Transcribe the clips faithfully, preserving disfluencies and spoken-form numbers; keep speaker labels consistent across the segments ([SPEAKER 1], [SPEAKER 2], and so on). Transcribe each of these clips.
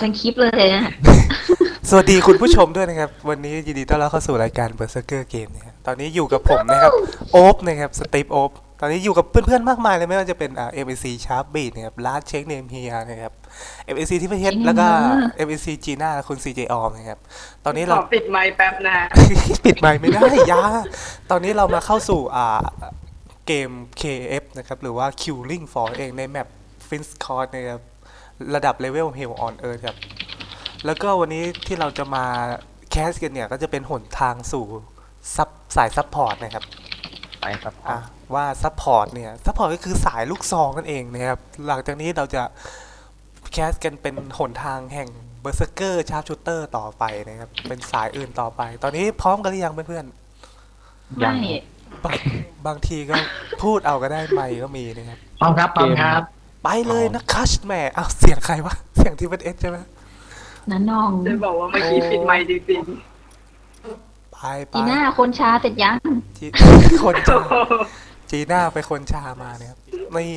[SPEAKER 1] เป็นคลิปเลยนะ
[SPEAKER 2] สวัสดีคุณผู้ชมด้วยนะครับวันนี้ยินดีต้อนรับเข้าสู่รายการ Berserker Game นะครับตอนนี้อยู่กับผมนะครับโอ๊บนะครับสตีฟโอ๊บตอนนี้อยู่กับเพื่อนๆมากมายเลยไม่ว่าจะเป็นอ่า เอ็ม เอ ซี Sharp Beat นะครับ Last Check Name Here นะครับ เอ็ม เอ ซี ที่ประเทศแล้วก็ เอ็ม เอ ซี Gina คุณ ซี เจ ออมนะครับตอนนี้
[SPEAKER 3] ข
[SPEAKER 2] เรา
[SPEAKER 3] อปิดไมค์แป๊บนะ
[SPEAKER 2] ปิดไมค์ไม่ได้ยาตอนนี้เรามาเข้าสู่อ่าเกม เค เอฟ นะครับหรือว่า Killing Floor เองในแมป Fin's Court นะครับระดับ Level Hell on Earth ครับแล้วก็วันนี้ที่เราจะมาแคสกันเนี่ยก็จะเป็นหนทางสู่ซับสายซัพพอร์ตนะครับ
[SPEAKER 4] ไปครับ
[SPEAKER 2] อ่ะว่าซัพพอร์ตเนี่ยซัพพอร์ตก็คือสายลูกซองนั่นเองนะครับหลังจากนี้เราจะแคสกันเป็นหนทางแห่งเบอร์เซอร์เกอร์ชาร์ปชูเตอร์ต่อไปนะครับเป็นสายอื่นต่อไป ตอนนี้พร้อมกันหรือยังเพื่อน
[SPEAKER 1] ไม่
[SPEAKER 2] ๆบางบางทีก็พูดเอาก็ได้ไม่ก็มีนะครับ
[SPEAKER 5] พร้อมครับพร้อมครับ
[SPEAKER 2] ไปเลยนะคัชแหม่อ้าวเสียงใครวะเสียงที่เป็นเอสใช่ไหม
[SPEAKER 1] นันน้อง
[SPEAKER 3] จะบอกว่าเมื่อกี้ปิดไมค์จริง
[SPEAKER 2] ไปไป
[SPEAKER 1] จีน่าคนช้าเสร็จยัง
[SPEAKER 2] จีคนชาจีน่าไปคนชามาเนี่ยครับนี่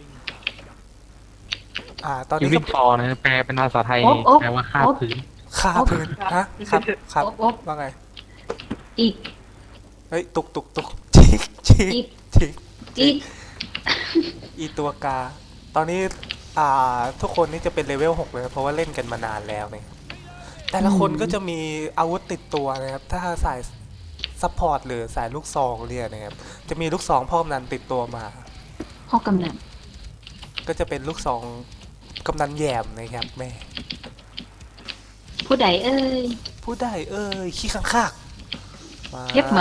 [SPEAKER 2] อ่าตอน
[SPEAKER 4] คิว
[SPEAKER 2] นี้
[SPEAKER 4] ริ
[SPEAKER 2] ก็
[SPEAKER 4] งฟอร์นะแปลเป็นภาษาไทย
[SPEAKER 1] โอ๊บโอ๊บ
[SPEAKER 4] แปลว่าคาบ
[SPEAKER 1] โอ๊บ
[SPEAKER 4] พื้น
[SPEAKER 2] คาพื้นฮะครับครับ
[SPEAKER 1] โอ๊บโอ๊บ
[SPEAKER 2] ว่าไง
[SPEAKER 1] อีก
[SPEAKER 2] เฮ้ยตุกตุกตุกชิกชิ
[SPEAKER 1] อี
[SPEAKER 2] ก
[SPEAKER 1] ก
[SPEAKER 2] ชิก
[SPEAKER 1] อีก
[SPEAKER 2] อีตัวกา ตอนนี้อ่าทุกคนนี่จะเป็นเลเวลหกเลยเพราะว่าเล่นกันมานานแล้วเนี่ยแต่ละคนก็จะมีอาวุธติดตัวนะครับ ถ้าสายซัพพอร์ตหรือสายลูกซองเรียกนะครับจะมีลูกซองพ่อกำนันติดตัวมา
[SPEAKER 1] พ่อกำนัน
[SPEAKER 2] ก็จะเป็นลูกซองกำนันแยมนะครับแม่
[SPEAKER 1] ผู้ใดเอ้ย
[SPEAKER 2] ผู้ได้เอ้ยขี้ข้างคากมา
[SPEAKER 1] เย็บหมา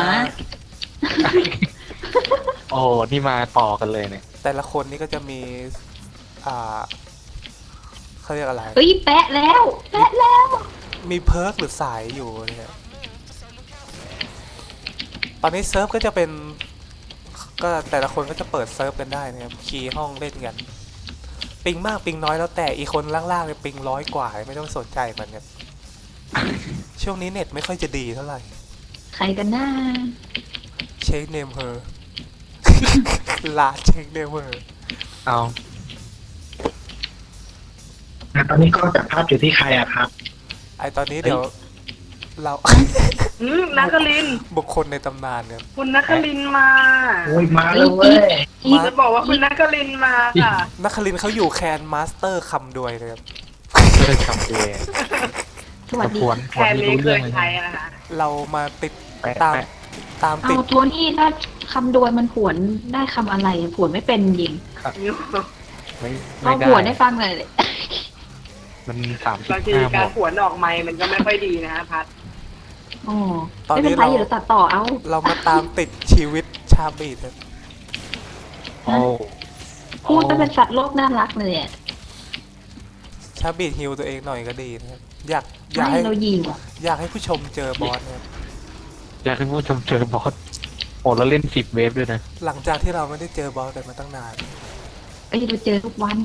[SPEAKER 4] โอ้นี่มาต่อกันเลยเนี่ย
[SPEAKER 2] แต่ละคนนี่ก็จะมีอ่าเขาเรียกอะไร
[SPEAKER 1] เฮ้ยแปะแล้ว แปะแล้ว
[SPEAKER 2] มีเพิร์กหรือสายอยู่เนี่ยตอนนี้เซิร์ฟก็จะเป็นก็แต่ละคนก็จะเปิดเซิร์ฟกันได้นะครับคีย์ห้องเล่นกันปิงมากปิงน้อยแล้วแต่อีกคนล่างๆเนี่ยปิงร้อยกว่าไม่ต้องสนใจมันครับช่วงนี้เน็ตไม่ค่อยจะดีเท่าไหร่
[SPEAKER 1] ใครกันหน้า
[SPEAKER 2] เช็คเนมเฮอร์ ลาเช็คเนมเฮอร์
[SPEAKER 4] เอา
[SPEAKER 5] ตอนนี้ก็จับภาพอยู่ที่ใครอะครับ
[SPEAKER 2] ไอตอนนี้เดี๋ยวเรา
[SPEAKER 3] ๆอืมนักคลินทร์
[SPEAKER 2] บุคคลในตำนานเนี่ย
[SPEAKER 3] คุณนักคลินทร์มา
[SPEAKER 5] โอ้ยมาแล้วเว้ย
[SPEAKER 1] อีก
[SPEAKER 3] จะบอกว่าคุณนักคลินทร์มาค่ะ
[SPEAKER 2] นักคลินทร์เขาอยู่แคนมาสเตอร์คำด้วยนะครับ
[SPEAKER 4] เพื่อนคำเดง
[SPEAKER 1] สวัสดี
[SPEAKER 4] ควร
[SPEAKER 3] แค
[SPEAKER 4] ควร
[SPEAKER 3] น
[SPEAKER 4] ที่
[SPEAKER 3] นี้
[SPEAKER 4] รู้
[SPEAKER 3] เค
[SPEAKER 4] เรื่อง
[SPEAKER 3] ย
[SPEAKER 4] เลย
[SPEAKER 3] ใช้นะคะ
[SPEAKER 2] เรามาติด
[SPEAKER 4] แปะ
[SPEAKER 2] ตาม
[SPEAKER 4] แปะ
[SPEAKER 2] ตาม
[SPEAKER 1] เอา
[SPEAKER 2] ติด
[SPEAKER 1] ตัวนี้ถ้าคำโดยมันผวนได้คำอะไรผวนไม่เป็นจริง
[SPEAKER 4] ไม่
[SPEAKER 1] ลอ
[SPEAKER 4] ไม่
[SPEAKER 1] ง
[SPEAKER 4] ได้
[SPEAKER 1] ผวนให้ฟังหน่อยเลย
[SPEAKER 4] มันสามสิ
[SPEAKER 3] บา
[SPEAKER 4] บ
[SPEAKER 3] งที
[SPEAKER 4] ห้าหม
[SPEAKER 3] การ
[SPEAKER 4] ด
[SPEAKER 3] ขวนออกไมค์มันก็ไม่ค่อยดีนะพัด
[SPEAKER 1] โอ้ไม่เป็นไรเดี๋ยวตัดต่อเอา
[SPEAKER 2] เรามาตามติดชีวิตชาบีดครับ
[SPEAKER 4] โอ้
[SPEAKER 1] พูดก็เป็นสัตว์โลกน่ารักเลยอ่ะ
[SPEAKER 2] ชาบีดฮิวตัวเองหน่อยก็ดีนะครับอยากอยาก
[SPEAKER 1] ไม่
[SPEAKER 2] ให้
[SPEAKER 1] เรายิงอ่ะ
[SPEAKER 2] อยากให้ผู้ชมเจอบอสนะครับ
[SPEAKER 4] อยากให้ผู้ชมเจอบอสโอ้แล้วเล่นสิบเวฟด้วยนะ
[SPEAKER 2] หลังจากที่เราไม่ได้เจอบอสกันมาตั้งนาน
[SPEAKER 1] ไอ้ยเราเจอทุกวัน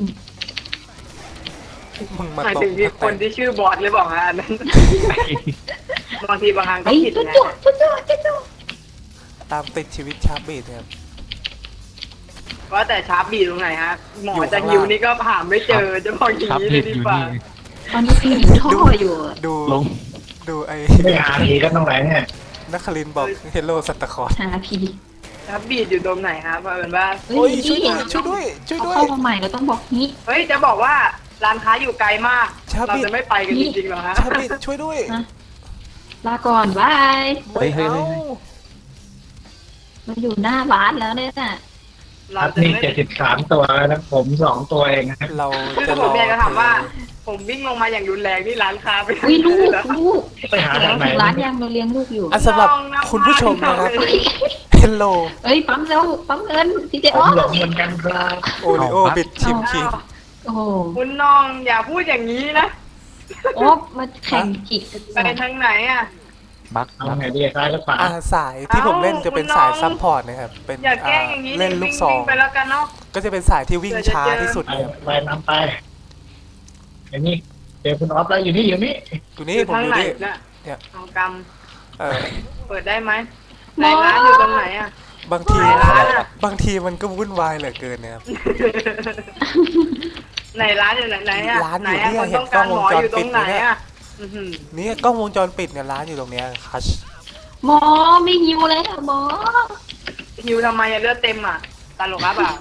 [SPEAKER 2] มึงมา
[SPEAKER 3] หมาย
[SPEAKER 2] ตก
[SPEAKER 3] ถึงที่คนที่ชื่อบอสหรือเปล่าฮะอันนั้นบางทีบางครั้งก็
[SPEAKER 1] เฮ้ย
[SPEAKER 3] ผิด
[SPEAKER 1] จุ๊
[SPEAKER 3] นะ
[SPEAKER 1] จุ๊จุ๊จุ๊จุ๊จุ๊
[SPEAKER 2] ตามติดชีวิตชาบีดนะครับ
[SPEAKER 3] ว่าแต่ชาร์ปบีตรงไหนฮะหมอ
[SPEAKER 2] อยู่
[SPEAKER 3] จะ
[SPEAKER 2] ข้าง
[SPEAKER 3] ฮิว
[SPEAKER 2] ล่าง
[SPEAKER 3] นี่ก็ผ่านไม่เจอจะบอกอย่าง
[SPEAKER 4] ครับ
[SPEAKER 3] นี้เล
[SPEAKER 4] เล่
[SPEAKER 3] ย
[SPEAKER 4] น
[SPEAKER 3] ดี
[SPEAKER 4] อยู่
[SPEAKER 3] กว่า
[SPEAKER 4] นี่
[SPEAKER 1] ตอนนี้พี่อยู่ท่ออยู่อะ
[SPEAKER 2] ดู
[SPEAKER 4] ลง
[SPEAKER 2] ดูไอ้
[SPEAKER 5] ไม่หาทีก็ต้องแหลงเนี่ย
[SPEAKER 2] นักคลินทร์บอกเฮลโลสันตาคลอส
[SPEAKER 1] หาพี
[SPEAKER 3] ชาร์ปบีตอยู่ตรงไหนฮะเพราะเป็นว่า
[SPEAKER 1] เฮ้
[SPEAKER 2] โอ้ย
[SPEAKER 1] ย
[SPEAKER 2] ช่วย
[SPEAKER 1] นี่
[SPEAKER 2] ด้วยช่วยด้วยช่วย
[SPEAKER 1] เขา
[SPEAKER 2] ด้วย
[SPEAKER 1] เข้ามาใหม่เราต้องบอกนี้
[SPEAKER 3] เฮ้ยจะบอกว่าร้านค้าอยู่ไกลมาก
[SPEAKER 2] ชาร์ป
[SPEAKER 3] เรา
[SPEAKER 2] บีท
[SPEAKER 3] จะไม่ไปกันจริงๆหรอฮะ
[SPEAKER 2] ชาบีดช่วยด้วย
[SPEAKER 1] นะลาก่อนบาย
[SPEAKER 4] เฮ้ยเฮ้ยเฮ้ย
[SPEAKER 1] เราอยู่หน้าร้านแล้วเนี่ยน่ะ
[SPEAKER 3] เรา
[SPEAKER 5] ครับ
[SPEAKER 3] จะ
[SPEAKER 5] นี่
[SPEAKER 3] ไม่
[SPEAKER 5] เจ็ดสิบสามตัวแล้วนะผมสองตัวเองนะครับ
[SPEAKER 2] เรา
[SPEAKER 3] คือ
[SPEAKER 2] จะ
[SPEAKER 3] ผ
[SPEAKER 2] ร
[SPEAKER 3] ม
[SPEAKER 2] อ
[SPEAKER 3] อยากจะถามว่า
[SPEAKER 2] เธอ
[SPEAKER 3] ผมวิ่งลงมาอย่างรุนแรงที่ร้านค้าไป
[SPEAKER 1] อุ้ยลูก
[SPEAKER 3] แล้ว
[SPEAKER 1] ลูก
[SPEAKER 5] ไปหา
[SPEAKER 1] เดี๋ย
[SPEAKER 5] ทาว งไหน
[SPEAKER 1] ถึงร้านยังเราเลี้ยงลูกอยู่
[SPEAKER 2] อ่ะสำหรับคุณผู้ชมนะครับเฮลโล
[SPEAKER 1] เอ้ยปั๊มเร็วปั๊มเงินทีเจ
[SPEAKER 5] ผ
[SPEAKER 1] อ
[SPEAKER 5] ม
[SPEAKER 1] อ
[SPEAKER 5] หลงเหมือนกันครับ
[SPEAKER 2] โอริโอบิดชิมคิง
[SPEAKER 1] โอ้โห
[SPEAKER 3] คุณน้องอย่าพูดอย่างนี้นะ
[SPEAKER 1] โอ๊บมาแข่งจิก
[SPEAKER 3] ไปทางไหนอ่ะ
[SPEAKER 4] บัก
[SPEAKER 5] เอา
[SPEAKER 4] บัก
[SPEAKER 5] ไงดีซ้ายหรือขวา
[SPEAKER 2] อ่าสายที่ผมเล่นจะเป็นสายซัพพอร์ตนะครับเป็น
[SPEAKER 3] อย่าแกล้
[SPEAKER 2] อ่าง
[SPEAKER 3] อย่างนี้
[SPEAKER 2] เล่นลูกซอง
[SPEAKER 3] วิ่ๆไปแล้วกันเนาะ
[SPEAKER 2] ก็จะเป็นสายที่วิ่งช้าที่สุด
[SPEAKER 5] ไป
[SPEAKER 2] นะครับ
[SPEAKER 5] ไปนำไปอย่างนี้เจอคุณออฟแล้วอยู่นี่อยู่นี่
[SPEAKER 2] อยู่นี่
[SPEAKER 3] อยู่
[SPEAKER 2] ผม
[SPEAKER 3] ทาง
[SPEAKER 2] อยู่
[SPEAKER 3] ไหน
[SPEAKER 2] นี่
[SPEAKER 3] น่ะ
[SPEAKER 2] เนี่ย
[SPEAKER 3] เอาก
[SPEAKER 2] เออ
[SPEAKER 3] ำเปิดได้ไหมไหนร้านอยู่ตรงไหนอ่ะ
[SPEAKER 2] บางที
[SPEAKER 3] ไหนร้านอ่ะ
[SPEAKER 2] บางทีมันก็วุ่นวายเหลือเกินนะครับ
[SPEAKER 3] อไหนร้านอยู่ไหนไหนอะ
[SPEAKER 2] ร้าน
[SPEAKER 3] ไหน
[SPEAKER 2] อยู่
[SPEAKER 3] อะ
[SPEAKER 2] เนี่ย
[SPEAKER 3] คนต้องการหมอ
[SPEAKER 2] เห็นกล้องวงจร
[SPEAKER 3] อยู่ตรงไหน
[SPEAKER 2] ปิดเนี่ย
[SPEAKER 3] อะอื้อหือ
[SPEAKER 2] นี่กล้องวงจรปิดเนี่ยร้านอยู่ตรงเนี้ยคัช
[SPEAKER 1] หมอไม่หิวเลยอะหมอ
[SPEAKER 3] หิวทำไมอะเลือดเต็มอะตลกครับอ่ะ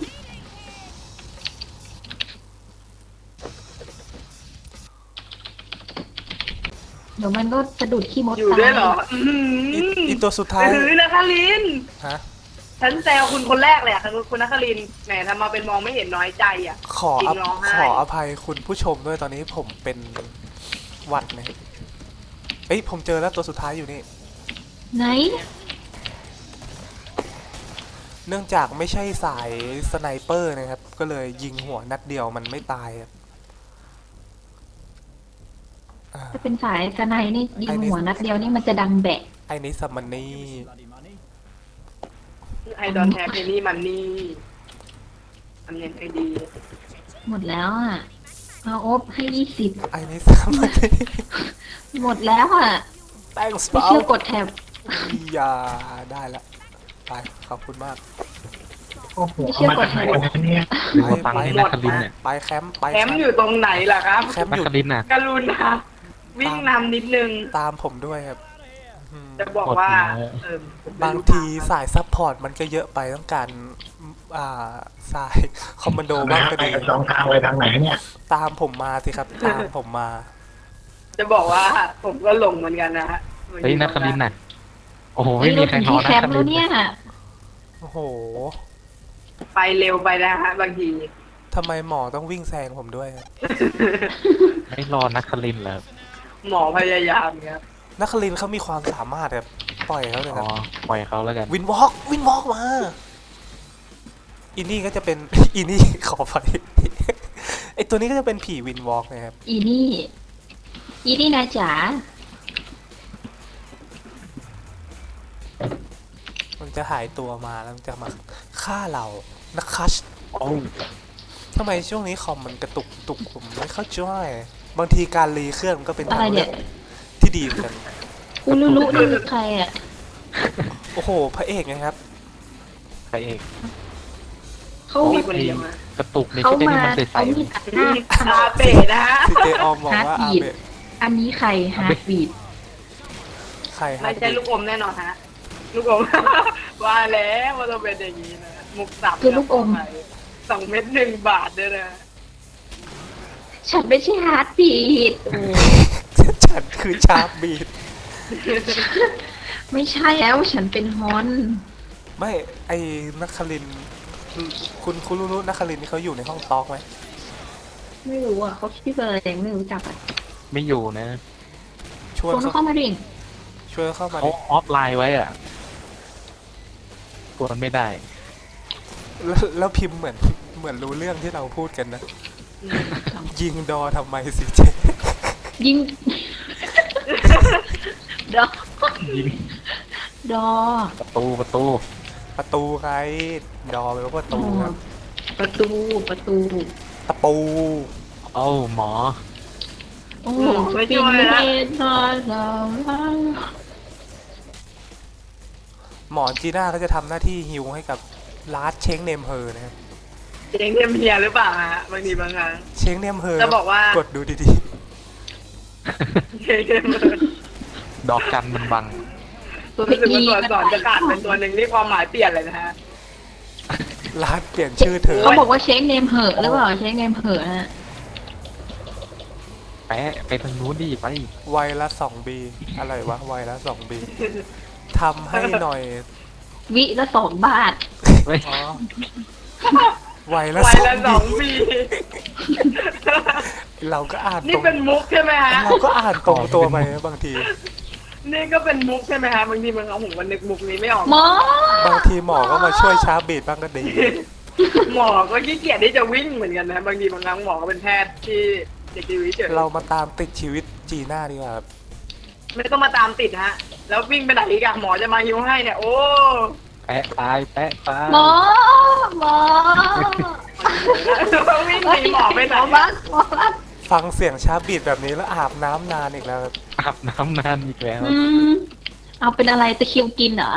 [SPEAKER 1] เดี๋ยวมันก็สะดุดขี้มด
[SPEAKER 3] อยู่
[SPEAKER 1] ตาย
[SPEAKER 3] ด้วยเหรออื้อหื
[SPEAKER 2] อี
[SPEAKER 3] อ
[SPEAKER 2] อีตัวสุดท้าย
[SPEAKER 3] ถือนะคะลิน
[SPEAKER 2] ฮะ
[SPEAKER 3] ฉันแซวคุณคนแรกเลยอะคุณคุณนัคลินทร์แหมทำมาเป็นมองไม่เห็นน้อยใจอะ
[SPEAKER 2] ขอ
[SPEAKER 3] จริ
[SPEAKER 2] อง
[SPEAKER 3] ร้องไห้
[SPEAKER 2] ขออภัยคุณผู้ชมด้วยตอนนี้ผมเป็นหวัดนะเอ้ยผมเจอแล้วตัวสุดท้ายอยู่นี่
[SPEAKER 1] ไหน
[SPEAKER 2] เนื่องจากไม่ใช่สายสไนเปอร์นะครับ ก็เลยยิงหัวนัดเดียวมันไม่ตายครับอ่า
[SPEAKER 1] ถ้าเป็นสายสไนนี่ยิ
[SPEAKER 2] ไอ้
[SPEAKER 1] ง
[SPEAKER 2] นี่
[SPEAKER 1] หัวนัดเดียวนี่มันจะดังแบะ
[SPEAKER 2] ไอ้นี่ซัมมันนี่
[SPEAKER 3] ไอดอนแทปนี่มันนี่ทำยังไงดี
[SPEAKER 1] หมดแล้วอ่ะเอาอบให้ยี่สิบ
[SPEAKER 2] ไอ้นี่ซัมมันนี่
[SPEAKER 1] หมดแล้วอ่ะ
[SPEAKER 2] thanks
[SPEAKER 1] ไม่
[SPEAKER 2] เปล่า
[SPEAKER 1] เชื่อกดแท็บ
[SPEAKER 2] อย่าได้ละไปขอบคุณมาก
[SPEAKER 5] โอ้โหเอามาจากไหนกันเนี่ย
[SPEAKER 4] หรือว่าฟังให้นักคลินเนี่ย
[SPEAKER 2] ไปแคมป์ไป
[SPEAKER 3] แคมป์อยู่ตรงไหนล่ะครับ
[SPEAKER 2] แคมป์
[SPEAKER 4] นั
[SPEAKER 2] อก ยู่
[SPEAKER 4] คลินน่ะ
[SPEAKER 3] กรุณาวิ่งนำนิดนึง
[SPEAKER 2] ตามผมด้วยครับอืม
[SPEAKER 3] จะบอกว่า
[SPEAKER 4] หมดแล้ว
[SPEAKER 3] เออผมเป็น
[SPEAKER 2] บางทีสายซัพพอร์ตมันก็เยอะไปต้องการอ่าสายคอมมานโดบ้างก็
[SPEAKER 5] ไป
[SPEAKER 2] ดี
[SPEAKER 5] กันสองทางไปทางไหนเนี่ย
[SPEAKER 2] ตามผมมาสิครับ ตามผมมา
[SPEAKER 3] จะบอกว่าผมก็หลงเหมือนกันนะฮะ
[SPEAKER 4] เฮ้ยนักคลินน่ะ โอ้โห
[SPEAKER 1] ไม่
[SPEAKER 4] ไม่มี
[SPEAKER 1] รู้
[SPEAKER 4] ใคร
[SPEAKER 1] ถึง
[SPEAKER 4] นอ
[SPEAKER 1] ที่
[SPEAKER 4] น
[SPEAKER 1] แค
[SPEAKER 4] นัก
[SPEAKER 1] ม
[SPEAKER 4] ค
[SPEAKER 1] ป์
[SPEAKER 4] ลิ
[SPEAKER 1] แล้ว
[SPEAKER 4] น
[SPEAKER 1] เนี่ย
[SPEAKER 2] โอ้โห
[SPEAKER 3] ไปเร็วไปนะฮะบางที
[SPEAKER 2] ทำไมหมอต้องวิ่งแซงผมด้วยครับ
[SPEAKER 4] ไม่รอนักคลินเหรอ
[SPEAKER 3] หมอพยายามครับ
[SPEAKER 2] นักคลินทร์เขามีความสามารถแบบปล่อยเขาเลย
[SPEAKER 4] อ๋
[SPEAKER 2] ค
[SPEAKER 4] อ
[SPEAKER 2] รับ
[SPEAKER 4] ปล่อยเขาแล้วกัน
[SPEAKER 2] วินวอล์กวินวอล์กมาอีนี่ก็จะเป็น อีนี่ ขอไป ไอตัวนี้ก็จะเป็นผีวินวอล์กนะครับ
[SPEAKER 1] อีนี่ อีนี่นะจ๋า
[SPEAKER 2] มันจะหายตัวมาแล้วมันจะมาฆ่าเรานักคัช
[SPEAKER 4] โอ้
[SPEAKER 2] ทำไมช่วงนี้คอมมันกระตุกตุกผมไม่เข้าใจบางทีการรีเครื่องมันก็เป็น
[SPEAKER 1] อะไร
[SPEAKER 2] ทาง
[SPEAKER 1] เนี่
[SPEAKER 2] เลือย กที่ดีเหมือนกัน
[SPEAKER 1] อูรุรุนี่คือใครอ่ะ
[SPEAKER 2] โอ้โห พระเอกไงครับ
[SPEAKER 4] ใครเอง
[SPEAKER 1] เขา
[SPEAKER 3] มีคนเดียวมาก
[SPEAKER 4] ระตุกใน
[SPEAKER 1] เขา
[SPEAKER 4] ชุดที่
[SPEAKER 1] มา
[SPEAKER 4] มันใส
[SPEAKER 1] เขามีตัดหน้า
[SPEAKER 3] อาเบะนะฮะ
[SPEAKER 2] ซีเจออมบอกว่าอา
[SPEAKER 1] Heartbeat
[SPEAKER 2] เบะ
[SPEAKER 1] อันนี้ใครฮาร์ดบีด
[SPEAKER 2] ใครฮะ
[SPEAKER 3] ไม่ใช่ลูกอมแน่นอนฮะ ลูกอม ว่าแล้วว่าต้องเป็นอย่างนี้นะมุกสับ
[SPEAKER 1] คือลูกอม
[SPEAKER 3] สองเม็ดหนึ่งบาทด้วยนะ
[SPEAKER 1] ฉันไม่ใช่ฮาร์ดบีดโอ้
[SPEAKER 2] ฉันคือชาร์ปบีด
[SPEAKER 1] ไม่ใช่แล้วฉันเป็นฮอน
[SPEAKER 2] ไม่ไอ้นักคลินทร์คุณคุณรู้นักคลินทร์นี่เขาอยู่ในห้องตอกไหม
[SPEAKER 1] ไม่รู้อ่ะเขาชื่ออะไรยังไม่รู้จักอ่ะ
[SPEAKER 4] ๆไม่อยู่นะ
[SPEAKER 2] ช่วย
[SPEAKER 1] คน
[SPEAKER 2] เขา
[SPEAKER 1] เข้ามาดิ
[SPEAKER 2] ช่วยเข้ามา
[SPEAKER 4] เขา
[SPEAKER 2] ดิ
[SPEAKER 4] ออฟไลน์ไว้อ่ะกวนไม่ได้
[SPEAKER 2] แล้วแล้วพิมพ์เหมือนเหมือนรู้เรื่องที่เราพูดกันนะ ยิงดอทำไมสิเจ
[SPEAKER 1] ยิง ดอ
[SPEAKER 4] ยิง
[SPEAKER 1] ดอ
[SPEAKER 4] ประตูประตู
[SPEAKER 2] ประตูใครดอแปลว่าประตูครับ
[SPEAKER 1] ประตูประตู
[SPEAKER 2] ตะปู
[SPEAKER 4] เอ้าหมอ
[SPEAKER 1] โอ้ไม่ช่วยละนอนเรา
[SPEAKER 2] หมอจีน่าก็จะทำหน้าที่ฮิวให้กับลาร์ดเชงเนมเฮอร์นะครับ
[SPEAKER 3] เจ๊งเทียมเฮียหรือเปล่าฮะบางทีบางครั้ง
[SPEAKER 2] เชงเนมเฮอร์
[SPEAKER 3] จะบอกว่า
[SPEAKER 2] กดดูดี
[SPEAKER 3] เจ๊งเทียมเฮีย
[SPEAKER 4] ดอกจันมันบัง
[SPEAKER 1] ตัว
[SPEAKER 3] รู้สึกว่า
[SPEAKER 1] อี
[SPEAKER 3] ตัวอักษรจะขาดเป็นตัวหนึ่งที่ความหมายเปลี่ยนเลยนะฮะ
[SPEAKER 2] ๆลาร์ดเปลี่ยนชื่อเธอ
[SPEAKER 1] เขาบอกว่าเช็คเนมเหอะหรือเปล่าเช็คเนมเหอะฮะ
[SPEAKER 4] แปะไปทางนู้นดิไป
[SPEAKER 2] ไวละสองบีอะไรวะไวละสองบีทำให้หน่อย
[SPEAKER 1] วิละสองบาท
[SPEAKER 4] เฮ้ย
[SPEAKER 2] อ๋อไวละ
[SPEAKER 3] วั
[SPEAKER 2] ส
[SPEAKER 3] ย
[SPEAKER 2] อง
[SPEAKER 3] ละส
[SPEAKER 2] บี
[SPEAKER 3] องปี
[SPEAKER 2] เราก็อ่าน
[SPEAKER 3] นี่
[SPEAKER 2] ตรง
[SPEAKER 3] เป็นมุกใช่ไหมฮะ
[SPEAKER 2] เราก็อ่านตรงตัวไปนะบางที
[SPEAKER 3] นี่ก็เป็นมุกใช่ไหมฮะบางทีมันเอาผมก็นึกมุกนี้ไม่ออก
[SPEAKER 1] หมอบ
[SPEAKER 2] างทีหมอก็มาช่วยชาร์จบีดบ้างก็ดี
[SPEAKER 3] หมอก็ขี้เกียจที่จะวิ่งเหมือนกันนะ บางทีบางครั้งหมอก็เป็นแพทย์ที่เด็กดีวิเฉย
[SPEAKER 2] เรามาตามติดชีวิตจีน่าดีกว่าครับ
[SPEAKER 3] ไม่ต้องมาตามติดฮะ แล้ววิ่งไปไหนอีกอะหมอจะมาฮิวให้เนี่ย โอ้
[SPEAKER 4] แปะตายแปะตาย
[SPEAKER 1] หมอหมอ
[SPEAKER 3] วิ่งหนีหมอไปไหน
[SPEAKER 1] หมอบัสหมอบัส
[SPEAKER 2] ฟังเสียงชาร์จบีดแบบนี้แล้วอาบน้ำนานอีกแล้วครับ
[SPEAKER 4] อาบน้ำนานอีกแล้ว
[SPEAKER 1] อืมเอาเป็นอะไรตะคริวกินเหรอ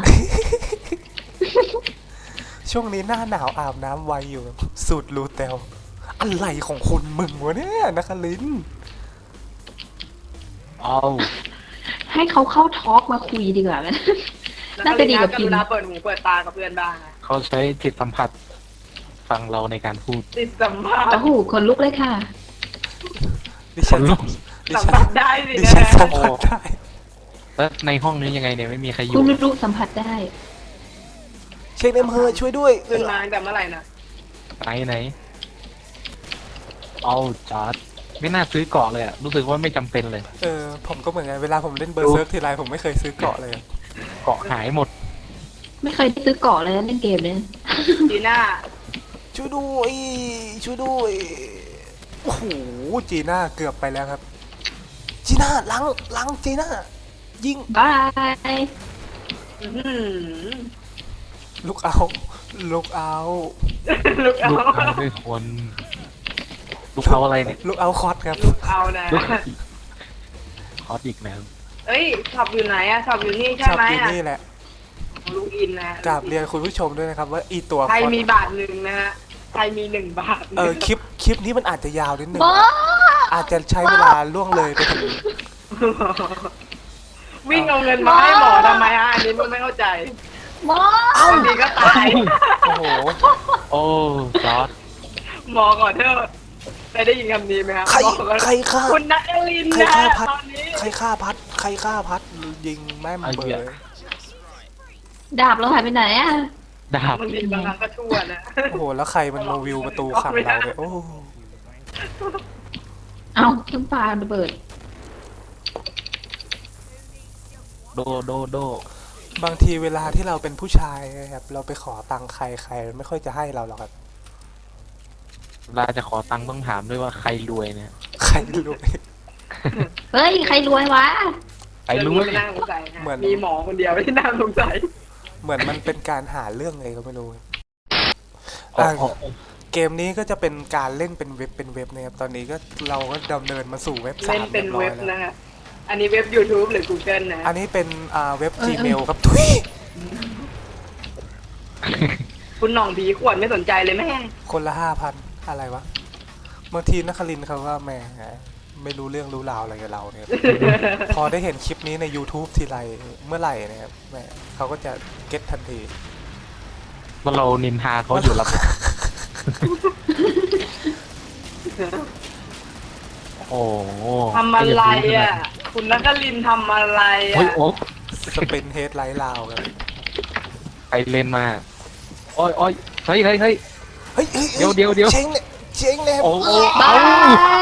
[SPEAKER 2] ช่วงนี้หน้าหนาวอาบน้ำไวอยู่ครับสูตรรูเตลอะไรของคนมึงวะเนี่ยนักลิน
[SPEAKER 4] เอา
[SPEAKER 1] ให้เขาเข้าทอล์กมาคุยดีกว่าไหม น่าจะดีกว่าพิมพ์
[SPEAKER 3] เวลาเปิดหูเปิดตากับเพื่อนบ้างนะ
[SPEAKER 4] เขาใช้จิตสัมผัสฟังเราในการพูด
[SPEAKER 3] ติดสัมผัส
[SPEAKER 1] โอ้โหคนลุกเลยค่ะ
[SPEAKER 2] ดิ
[SPEAKER 4] ค
[SPEAKER 2] ฉัน
[SPEAKER 4] นลุก
[SPEAKER 2] ดิ
[SPEAKER 3] สัม
[SPEAKER 2] ฉัน
[SPEAKER 3] ผัสได้สิ
[SPEAKER 2] ดิ
[SPEAKER 3] นะ
[SPEAKER 2] ฉันสัมผัสได้
[SPEAKER 4] แล้วในห้องนี้ยังไงเนี่ยไม่มีใครอ
[SPEAKER 1] คุ
[SPEAKER 4] ยู่
[SPEAKER 1] ณลุกสัมผัสได้
[SPEAKER 2] เช็คเนมเฮอร์ช่วยด้วย
[SPEAKER 3] ขึ้นมาตั้งแต่เมื่อไหร่นะ
[SPEAKER 4] ไหนไหนเอาจอดไม่น่าซื้อเกาะเลยอะรู้สึกว่าไม่จำเป็นเลย
[SPEAKER 2] เออผมก็เหมือนกันเวลาผมเล่นเบอร์เซิร์ฟทีไรผมไม่เคยซื้อเกาะเลยอะ
[SPEAKER 4] เกาะหายหมด
[SPEAKER 1] ไม่เคยได้ซื้อเกาะเลยนะเล่นเกมเนี่ย
[SPEAKER 3] จีน่า
[SPEAKER 2] ช่วยด้วยช่วยด้วยโอ้โหจีน่าเกือบไปแล้วครับจีน่าล้างล้างจีน่ายิง
[SPEAKER 1] บาย
[SPEAKER 3] อื้อหือ
[SPEAKER 2] ลูกเอาลูกเอา
[SPEAKER 3] ลูกเอา
[SPEAKER 4] ลูกเอาด้วยคนลูกเอาอะไรเนี่ย
[SPEAKER 2] ลูกเอาคอสครับ
[SPEAKER 3] ลูกเอานะ
[SPEAKER 4] ลูกคอสอีกแล้ว
[SPEAKER 3] เอ้ยช็อปอยู่ไหนอะช็อปอยู่นี่ใช่
[SPEAKER 2] ชอบ
[SPEAKER 3] ไหม
[SPEAKER 2] กิน
[SPEAKER 3] อะ
[SPEAKER 2] นี่แหละ
[SPEAKER 3] ลูกอินนะ
[SPEAKER 2] กราบเรียนคุณผู้ชมด้วยนะครับ ว่าอีตัว
[SPEAKER 3] ใคร
[SPEAKER 2] คอส
[SPEAKER 3] มีบาทหนึ่งนะฮะใครมีหนึ่งบาท
[SPEAKER 2] เออคลิปคลิปนี้มันอาจจะยาวนิดนึง
[SPEAKER 1] บอ
[SPEAKER 2] อาจจะใช้เวลาล่วงเลยไปถึง
[SPEAKER 3] วิ่งเอาเงินมาให้หมอทำไมฮะอันนี้มึงไม่เข้าใจ
[SPEAKER 1] บอ
[SPEAKER 3] บางทีก็ตาย
[SPEAKER 2] โอ้โห
[SPEAKER 4] โอ้จอด
[SPEAKER 3] หมอก่อนเถอะได้ได้ยินคำนี้ไหมครับ
[SPEAKER 2] ใคร
[SPEAKER 3] หมอก่อน
[SPEAKER 2] ใครฆ่า
[SPEAKER 3] คุณนัทลิน
[SPEAKER 2] ใคร
[SPEAKER 3] นะ
[SPEAKER 2] ฆ่าพัด
[SPEAKER 3] ตอนนี้
[SPEAKER 2] ใครฆ่าพัด ใครฆ่าพัด ยิงแม่มเบย
[SPEAKER 1] ดาบเราหายไปไหนอ่ะ
[SPEAKER 4] ดาบบ
[SPEAKER 3] างทีบางครั้งก็ชั่วนะ
[SPEAKER 2] โอ้โห แล้วใครมันมาวิวประตูขังเราเนี่ยโอ้
[SPEAKER 1] เอาเครื่องปลาระเบิด
[SPEAKER 4] โดโดโด
[SPEAKER 2] บางทีเวลาที่เราเป็นผู้ชายนะครับ เราไปขอตังค์ใครใครไม่ค่อยจะให้เราหรอกครับ
[SPEAKER 4] เวลาจะขอตังค์ต้องถามด้วยว่าใครรวยเนี่ย
[SPEAKER 2] ใครรวย
[SPEAKER 1] เฮ้ย ใครรวยวะ
[SPEAKER 4] ใครรวย
[SPEAKER 3] ไม่น่าสงสัยนะ
[SPEAKER 2] เหมือน
[SPEAKER 3] มีหมอคนเดียวที่น่าสงสัย
[SPEAKER 2] เหมือนมันเป็นการหาเรื่องไงก็ไม่รู้
[SPEAKER 4] อ๋อ
[SPEAKER 2] อ่ะ
[SPEAKER 4] อ๋อ
[SPEAKER 2] เกมนี้ก็จะเป็นการเล่นเป็นเว็บเป็นเว็บนะครับ ตอนนี้ก็เราก็ดำเนินมาสู่เว็บสา
[SPEAKER 3] เล่น
[SPEAKER 2] ม
[SPEAKER 3] เป็น
[SPEAKER 2] รียบร้อ
[SPEAKER 3] เว็
[SPEAKER 2] ย
[SPEAKER 3] บ
[SPEAKER 2] แล้ว
[SPEAKER 3] นะฮะอันนี้เว็บ YouTube หรือ Google นะ
[SPEAKER 2] อันนี้เป็นอ่าเว็บ
[SPEAKER 1] เออ
[SPEAKER 2] Gmail ครับทุย
[SPEAKER 3] คุณหน่องผีขวดไม่สนใจเลยแม่ง
[SPEAKER 2] คนละห้าพันอะไรวะบางทีนักคลินทร์เขาว่าแหม่ไม่รู้เรื่องรู้ราวอะไรกับเราเนี่ย พอได้เห็นคลิปนี้ใน YouTube ทีไรเมื่อไหร่นะครับแหม่เขาก็จะเก็ตทันที
[SPEAKER 4] ว่าเรานินทาเขาอยู่หลับโอ้โห
[SPEAKER 3] ทำอะไรอ่ะ คุณนักลินทำอะไร
[SPEAKER 4] โอ้ย
[SPEAKER 3] อ่ะ
[SPEAKER 4] โอ้
[SPEAKER 2] สปินเฮดไลท์ลาวครับ
[SPEAKER 4] ไปเล่นมาโอ้ยโอ้ยเฮ้ยเฮ้ยเฮ้ย
[SPEAKER 2] เฮ้ยเฮ้ย
[SPEAKER 4] เดี๋ยวเดี๋ยวเดี๋ยว
[SPEAKER 2] เช้งเนี่ยเช้งเนี่ย
[SPEAKER 4] โอ้โห
[SPEAKER 1] บา
[SPEAKER 4] เอ้าย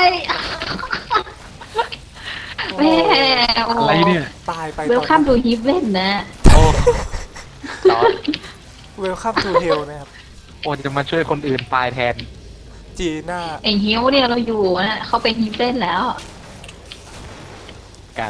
[SPEAKER 1] แม่โอ้
[SPEAKER 4] อะไรเนี่ย
[SPEAKER 2] ตายไป
[SPEAKER 1] เวลคัมดูฮิฟเว่นนะ
[SPEAKER 4] โอ้จอด
[SPEAKER 2] เวลคัมทูเฮลนะครับ
[SPEAKER 4] โอ้จะมาช่วยคนอื่นตายแทน
[SPEAKER 2] จีน่า
[SPEAKER 1] ไอฮิวเนี่ยเราอยู่นะเขาเป็นฮิฟเว่นแล้ว
[SPEAKER 4] กัน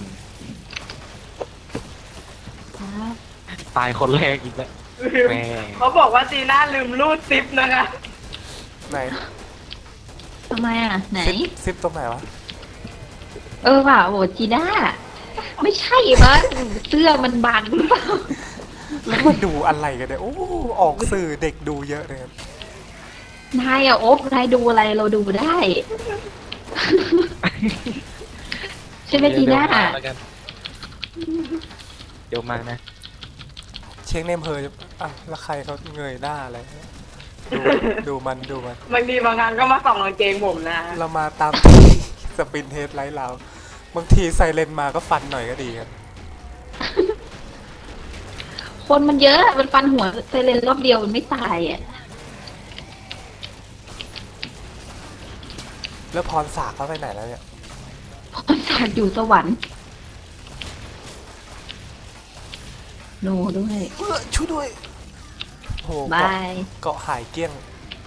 [SPEAKER 4] ตายคนแรกอีกแล้วแม่
[SPEAKER 3] เขาบอกว่าจีน่าลืมรูดซิปนะคะ
[SPEAKER 2] ไหน
[SPEAKER 1] ทำไมอ่ะ ไหน
[SPEAKER 2] ซิปซิปตรงไหนวะ
[SPEAKER 1] เออว่ะโหจีน่า ไม่ใช่มั้งเสื้อมันบังหรือเปล่า
[SPEAKER 2] แล้วมาดูอะไรกันเนี่ยโอ้ออกสื่อเด็กดูเยอะเลยครับ
[SPEAKER 1] นายอ่ะโอ๊บนายดูอะไรเราดูได้ ใช่ไหมจีน่า
[SPEAKER 4] เดี๋ยวมาแล้วกันเดี๋ยวมานะ
[SPEAKER 2] เช็คเนมเฮอร์อ่ะแล้วใครเขาเงยหน้าอะไรดูดูมันดูมัน
[SPEAKER 3] บางทีบางครั้งก็มาส่องกางเกงผมนะ
[SPEAKER 2] เรามาตามที่สปินเฮดไลท์เราบางทีไซเรนมาก็ฟันหน่อยก็ดีครับ
[SPEAKER 1] คนมันเยอะ มันฟันหัวไซเลนรอบเดียวมันไม่ตายอ่ะ
[SPEAKER 2] แล้วพรสากเขาไปไหนแล้วเนี่ย
[SPEAKER 1] พรสากอยู่สวรรค์โนด้วย
[SPEAKER 2] เออช่วยด้วยโอ้โห
[SPEAKER 1] บา
[SPEAKER 2] เกาะ
[SPEAKER 1] ย
[SPEAKER 2] เกาะหายเกลี้ยง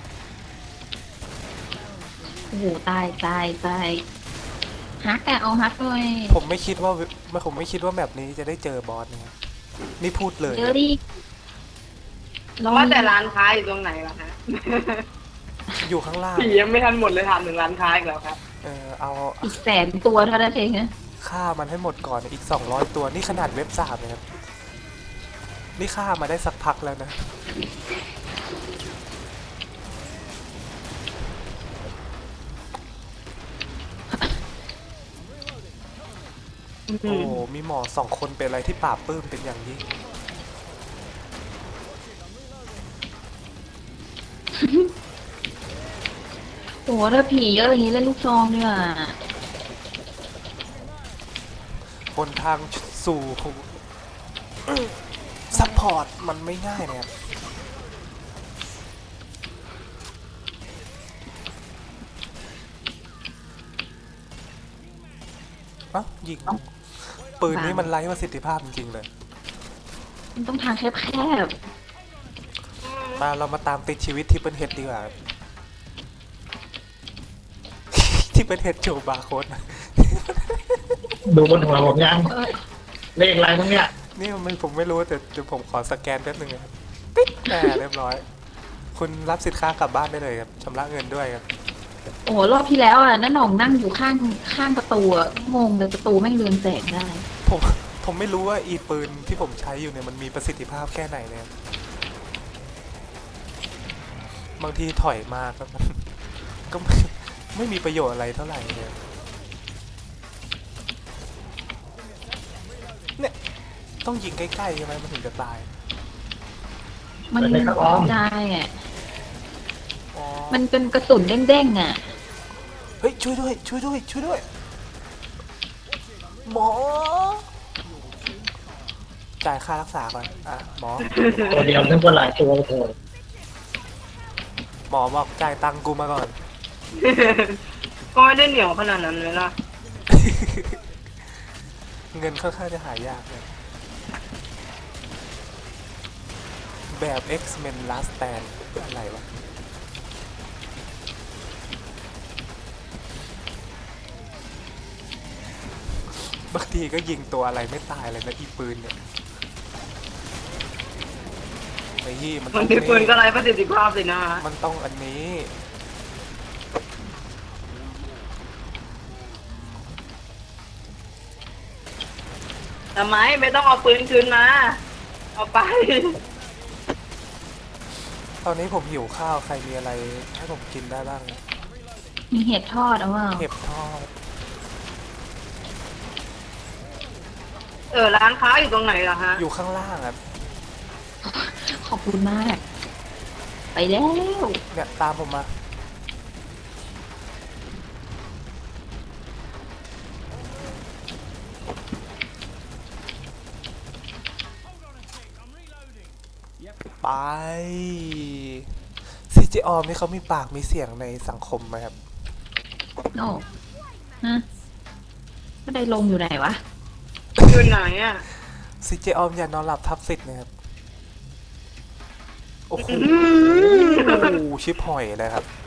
[SPEAKER 1] โอ้โหตายตายตายฮักอะเอาฮักหน่อย
[SPEAKER 2] ผมไม่คิดว่าไม่ผมไม่คิดว่าแบบนี้จะได้เจอบอสนะครับนี่พูดเลย
[SPEAKER 1] เยอะดิลอง
[SPEAKER 3] ว่าแต่ร้านค้าอยู่ตรงไหนล่ะฮะ
[SPEAKER 2] อยู่ข้างล่าง
[SPEAKER 3] ผียังไม่ทันหมดเลยถามถึงร้านค้าอีกแล้วครับ
[SPEAKER 2] เออเอา
[SPEAKER 1] อีกแสนตัวเท่านั้นเองนะ
[SPEAKER 2] ฆ่ามันให้หมดก่อนอีกสองร้อยตัวนี่ขนาดเว็บสามนะครับนี่ฆ่ามาได้สักพักแล้วนะโอ้มีหมอสองคนเป็นอะไรที่ปราบปลื้มเป็นอย่างยิ่ง
[SPEAKER 1] โอ้ถ้าผีเยอะอย่างนี้เล่นลูกซองดีกว่า
[SPEAKER 2] บนทางสู่ซัพพอร์ตมันไม่ง่ายนะครับเอ้ายิงปืนนี้มันไร้ประสิทธิภาพจริงๆเลย
[SPEAKER 1] มันต้องทางแคบ
[SPEAKER 2] มาเรามาตามติดชีวิตที่เป็นเฮดดีกว่า ที่เป็นเฮดโจบาร์โค้ด
[SPEAKER 5] ดูบนหัวผมยัง
[SPEAKER 1] ๆเออ
[SPEAKER 5] เลขอะไรพวกเนี้ย
[SPEAKER 2] นี่มันผมไม่รู้แต่เดี๋ยวผมขอสแกนแป๊บนึงนะครับติ๊ดแหมเรียบร้อย คุณรับสินค้ากลับบ้านได้เลยครับชำระเงินด้วยครับ
[SPEAKER 1] โอ้รอบที่แล้วอ่ะน้าหน่องนั่งอยู่ข้างข้างประตูอ่ะงงเลยประตูแม่งเรืองแสงได้
[SPEAKER 2] ผมผมไม่รู้ว่าอีปืนที่ผมใช้อยู่เนี่ยมันมีประสิทธิภาพแค่ไหนเลยครับบางทีถอยมาก็ ก็ไม่ไม่มีประโยชน์อะไรเท่าไหร่เลยเนี่ยต้องยิงใกล้ๆใช่ไหมมันถึงจะตาย
[SPEAKER 1] มัน
[SPEAKER 5] เป็นเลขครับออม
[SPEAKER 1] ได้อ่ะ
[SPEAKER 2] อ๋อ
[SPEAKER 1] มันเป็นกระสุนเด้งๆอ่ะ
[SPEAKER 2] เฮ้ยช่วยด้วยช่วยด้วยช่วยด้วยหมอจ่ายค่ารักษาก่อนอ่ะหมอ
[SPEAKER 5] ตัวเดียวนึกว่าหลายตัวโถ
[SPEAKER 2] หมอบอกจ่ายตังค์กูมาก่อน
[SPEAKER 3] ก็ไม่ได้เหนียวขนาดนั้นเลยล่ะ
[SPEAKER 2] เงินค่อนข้างจะหายากเลยแบบ X-Men Last Stand อะไรวะบางทีก็ยิงตัวอะไรไม่ตายเลยนะอีปืนเนี่ยไอ้ยี่มันต้
[SPEAKER 3] มั
[SPEAKER 2] อน ง
[SPEAKER 3] มีปืนก็
[SPEAKER 2] นี่
[SPEAKER 3] ไร้ประสิทธิภาพสินะ
[SPEAKER 2] มันต้องอันนี้
[SPEAKER 3] ทำไมไม่ต้องเอาปืนคืนมา เอาไป
[SPEAKER 2] ตอนนี้ผมหิวข้าวใครมีอะไรให้ผมกินได้บ้าง
[SPEAKER 1] มีเห็ดทอดเอาว่า
[SPEAKER 2] เห็บทอด
[SPEAKER 3] เออร้านค้าอยู่ตรงไหนล่ะฮะ
[SPEAKER 2] อยู่ข้างล่างครับ
[SPEAKER 1] ขอบคุณมาก ไปแล้ว
[SPEAKER 2] เนี่ยตามผมมา ไปซีเจออมนี่เขามีปากมีเสียงในสังคมไหมครับ
[SPEAKER 1] โอ้ฮะก็ได้ลงอยู่ไหนวะ
[SPEAKER 3] อยู่ไหนอ่ะ
[SPEAKER 2] ซีเจออมอย่านอนหลับทับสิทธิ์นะครับ โอ้โหชิบหอยเลยครับ